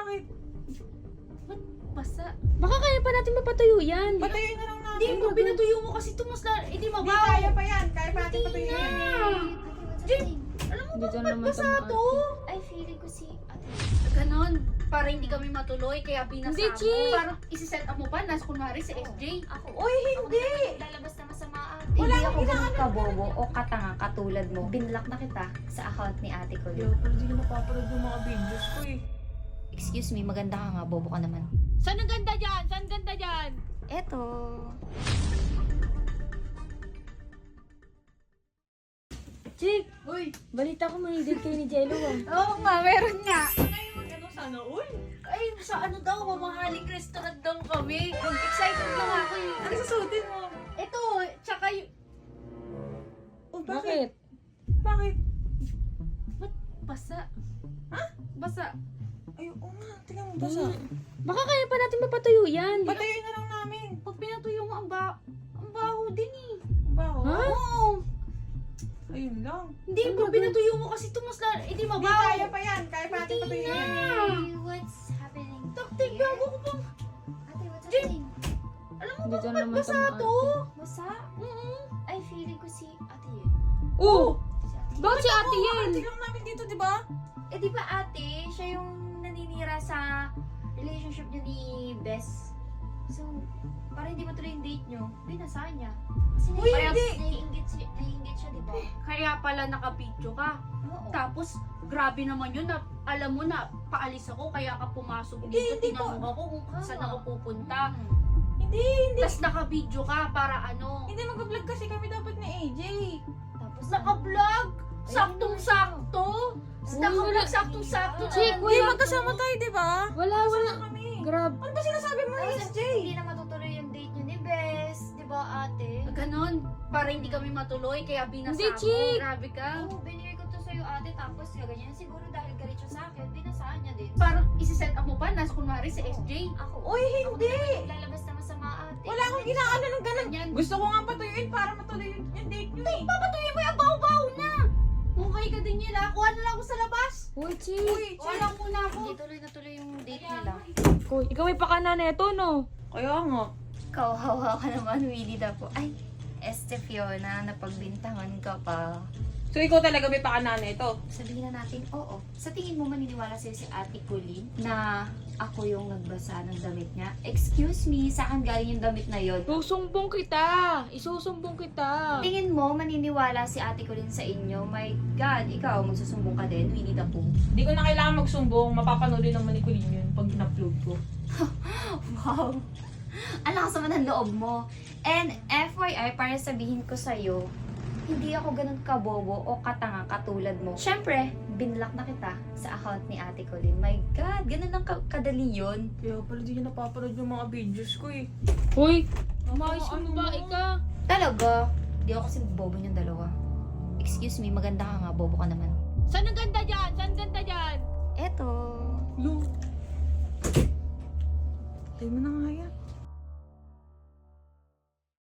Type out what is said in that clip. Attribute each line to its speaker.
Speaker 1: Bakit?
Speaker 2: Ba't basa?
Speaker 3: Baka kaya pa natin mapatuyo yan.
Speaker 1: Patayuin na lang natin.
Speaker 2: Hindi mo, pinatuyo mo kasi ito mas hindi
Speaker 1: Hindi,
Speaker 2: mabaw.
Speaker 1: kaya pa yan. Kaya pa natin patayuin yan.
Speaker 2: Alam mo
Speaker 3: Dito
Speaker 2: ba,
Speaker 3: naman
Speaker 2: ba't basa
Speaker 3: sa mga
Speaker 2: to?
Speaker 4: Ay, feeling ko si ate.
Speaker 2: Ganon. Para hindi kami matuloy, kaya binasa
Speaker 3: Hindi,
Speaker 2: mo.
Speaker 3: Chi.
Speaker 2: Parang isi-set up mo pa, nas kunwari si SJ.
Speaker 4: Ako.
Speaker 1: Uy, hindi.
Speaker 4: Ako lalabas na masama ate.
Speaker 1: Wala
Speaker 4: Hindi
Speaker 1: akong
Speaker 4: ako ganun
Speaker 1: ginagawa.
Speaker 4: kabobo o katanga katulad mo. Binlock na kita sa account ni ate ko.
Speaker 1: Yo, pero di ko napapanood yung mga videos ko eh.
Speaker 4: Excuse me, maganda ka nga, bobo ka naman.
Speaker 3: Saan ang ganda dyan? Saan ganda dyan?
Speaker 4: Eto.
Speaker 3: Chick,
Speaker 2: Uy,
Speaker 3: balita ko may date kayo ni Jello ah.
Speaker 2: oo nga, meron nga.
Speaker 1: Ano, sana all?
Speaker 2: Ay, sa ano daw, mamahaling restaurant daw kami. Excited na nga ako eh.
Speaker 1: Ano susutin mo?
Speaker 2: Ito, tsaka yung...
Speaker 1: Oh,
Speaker 3: Bakit?
Speaker 1: Bakit?
Speaker 2: Ba't basa? Ha? Basa.
Speaker 1: Ay, oo nga. Tingnan mo, basa.
Speaker 3: Baka kaya pa natin mapatuyo yan.
Speaker 1: Patayuin na lang namin.
Speaker 2: Pag pinatuyo mo, ang baho din eh.
Speaker 1: Baho.
Speaker 3: Ha?
Speaker 2: Oo.
Speaker 1: Ayun lang.
Speaker 2: Hindi mo, pinatuyo mo kasi ito mas hindi
Speaker 1: Hindi,
Speaker 2: mabaw.
Speaker 1: kaya pa yan. Kaya pa natin patayuin yan.
Speaker 4: Hey, what's happening?
Speaker 2: Taktik,
Speaker 4: here?
Speaker 2: bago ko pang...
Speaker 4: Ate, what's happening?
Speaker 2: Alam mo
Speaker 3: Dito
Speaker 2: ba, ba't
Speaker 3: naman sa
Speaker 2: basa
Speaker 3: mga
Speaker 2: to?
Speaker 4: Basa? Ay, feeling ko si ate yun.
Speaker 3: Oh!
Speaker 4: Si ate.
Speaker 3: Bakit si ate yan?
Speaker 1: Ate lang namin dito, di ba?
Speaker 4: Eh, di ba ate, siya yung naninira sa relationship niyo ni Bess. So, para hindi matuloy yung date niyo, binasa niya. Kasi
Speaker 2: Uy, hindi!
Speaker 4: naiingit siya, di ba?
Speaker 2: Kaya pala nakapicture ka.
Speaker 4: Oo.
Speaker 2: Tapos, grabe naman yun na alam mo na paalis ako kaya ka pumasok
Speaker 1: Hindi,
Speaker 2: dito.
Speaker 1: hindi
Speaker 2: Tinanong ako kung saan ako pupunta.
Speaker 1: Hindi.
Speaker 2: Tapos naka-video ka para ano.
Speaker 1: Hindi, mag-vlog kasi kami dapat ni AJ.
Speaker 4: Tapos,
Speaker 2: Naka-vlog! Saktong-sakto! Naka-vlog saktong-sakto.
Speaker 3: Chick,
Speaker 1: Hindi,
Speaker 3: wala.
Speaker 1: magkasama tayo, di ba?
Speaker 3: Wala, wala.
Speaker 1: Kasama kami.
Speaker 3: Grab.
Speaker 1: Ano ba sinasabi mo,
Speaker 4: tapos,
Speaker 1: SJ?
Speaker 4: hindi na matutuloy yung date niyo ni Bess. Di ba ate?
Speaker 2: Ganon. Para hindi kami matuloy kaya binasa
Speaker 3: Hindi,
Speaker 2: mo.
Speaker 3: Chick.
Speaker 2: Grabe ka.
Speaker 4: Oo, binigay ko to sa'yo ate. Tapos, ganyan. Siguro dahil galit siya sa akin, binasaan niya din.
Speaker 2: Parang isi-set up mo pa, nas kunwari si SJ.
Speaker 4: Ako.
Speaker 1: Uy, hindi.
Speaker 4: Ako lalabas na masama ate.
Speaker 1: Wala akong ginaano ng ganun.
Speaker 2: Ganyan.
Speaker 1: Gusto ko nga patuyuin para matuloy yung date nyo eh.
Speaker 2: Papatuloy mo yung baw-baw na! Mukhay ka din yun ha. Kuha na lang ako sa labas.
Speaker 3: Uy, Chick.
Speaker 1: Uy,
Speaker 2: Kuha lang muna ako.
Speaker 4: Hindi tuloy na tuloy yung date nila.
Speaker 3: Uy, ikaw may pakana neto, no?
Speaker 1: Kaya nga.
Speaker 4: Kauhawa ka naman, Willie na po. Ay, Este Fiona, napagbintangan ka pa.
Speaker 1: So, ikaw talaga may pakanana ito?
Speaker 4: Sabihin na natin, oo. Sa tingin mo maniniwala sa'yo si Ate Colleen na ako yung nagbasa ng damit niya? Excuse me, saan galing yung damit na yon?
Speaker 3: Susumbong kita. Isusumbong kita.
Speaker 4: Tingin mo maniniwala si Ate Colleen sa inyo? My God, ikaw magsusumbong ka din, Winnie the Pooh.
Speaker 1: Hindi ko na kailangan magsumbong. Mapapanood din naman ni Colleen yun pag in-upload ko.
Speaker 4: Wow! Ang lakas naman ng loob mo. And FYI, para sabihin ko sa'yo, hindi ako ganun kabobo o katanga katulad mo. Siyempre, binlock na kita sa account ni Ate Colleen. My God, ganun lang kadali yun.
Speaker 1: Kaya pala di ko napapanood yung mga videos ko eh.
Speaker 3: Uy, umayos ka
Speaker 1: Ano
Speaker 3: ba,
Speaker 1: mo?
Speaker 3: ika?
Speaker 4: Talaga? Di ako kasi bobo niyong dalawa. Excuse me, maganda ka nga, bobo ka naman.
Speaker 3: Saan ang ganda dyan? Saan ganda dyan?
Speaker 4: Eto.
Speaker 1: Lo. Tayo mo na nga